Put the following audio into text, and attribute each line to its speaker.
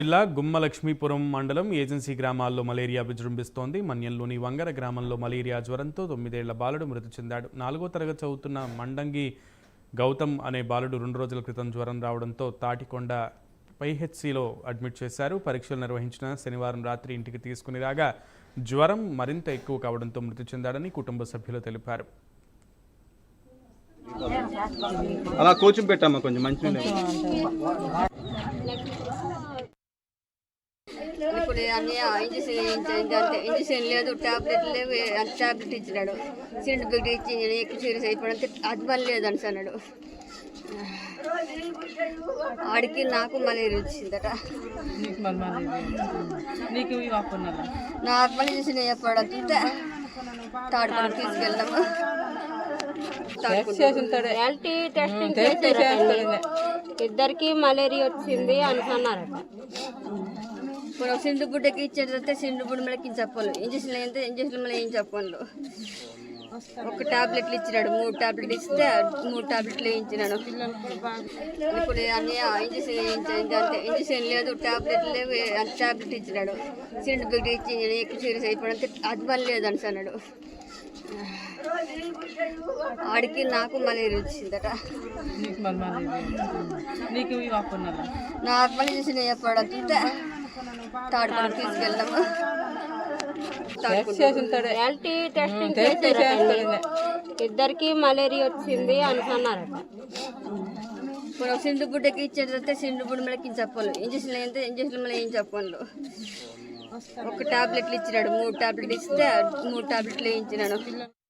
Speaker 1: జిల్లా గుమ్మలక్ష్మీపురం మండలం ఏజెన్సీ గ్రామాల్లో మలేరియా విజృంభిస్తోంది. మన్యంలోని వంగర గ్రామంలో మలేరియా జ్వరంతో 9 ఏళ్ల బాలుడు మృతి చెందాడు. 4వ తరగతి చదువుతున్న మండంగి గౌతమ్ అనే బాలుడు 2 రోజుల క్రితం జ్వరం రావడంతో తాటికొండ పైహెచ్సిలో అడ్మిట్ చేశారు. పరీక్షలు నిర్వహించిన శనివారం రాత్రి ఇంటికి తీసుకుని రాగా జ్వరం మరింత ఎక్కువ కావడంతో మృతి చెందాడని కుటుంబ సభ్యులు తెలిపారు.
Speaker 2: అలా కోచింగ్ పెట్టామా కొంచెం మంచిగా.
Speaker 3: ఇప్పుడు అన్ని ఇంజక్షన్ లేదు, టాబ్లెట్ లేవు. టాబ్లెట్ ఇచ్చినాడు, సిండ్ బిగ్ ఇచ్చి ఎక్కువ సీరియస్ అయిపోయినంత అది పని లేదని అన్నాడు. ఆడికి నాకు మలేరియా వచ్చిందట. నాకు మళ్ళీ చూసి చెప్పాడంటే తాడుకొని తీసుకెళ్ళాము.
Speaker 4: ఇద్దరికి మలేరియా వచ్చింది అనుకున్నారట.
Speaker 3: ఇప్పుడు సిండు బుడ్డకి ఇచ్చేటైతే సిండు బుడ్డ మళ్ళీ చెప్పాలి. ఇంజక్షన్ అయితే ఇంజక్షన్ మళ్ళీ ఏం చెప్పాలి. ఒక టాబ్లెట్లు ఇచ్చినాడు, 3 టాబ్లెట్లు ఇస్తే 3 టాబ్లెట్లు వేయించినాడు. ఇప్పుడు అన్ని ఇంజక్షన్ లేదు, టాబ్లెట్ లేవు. టాబ్లెట్ ఇచ్చినాడు, సిండు బిగ్ ఇచ్చి ఎక్కువ సీరియస్ అయిపోయినంత అది పని లేదని అన్నాడు. ఆడికి నాకు మలేరియా వచ్చిందట. నాకు మళ్ళీ చూసి చెప్పాడంటే తాడుకొని తీసుకెళ్ళాము.
Speaker 4: ఇద్దరికి మలేరియా వచ్చింది అనుకున్నారట.
Speaker 3: ఇప్పుడు సిండు బుడ్డకి ఇచ్చేటైతే సిండు బుడ్డ మళ్ళీ చెప్పాలి. ఇంజక్షన్ అయితే ఇంజక్షన్ మళ్ళీ ఏం చెప్పాలి. ఒక టాబ్లెట్లు ఇచ్చినాడు, 3 టాబ్లెట్లు ఇస్తే 3 టాబ్లెట్లు వేయించినాడు.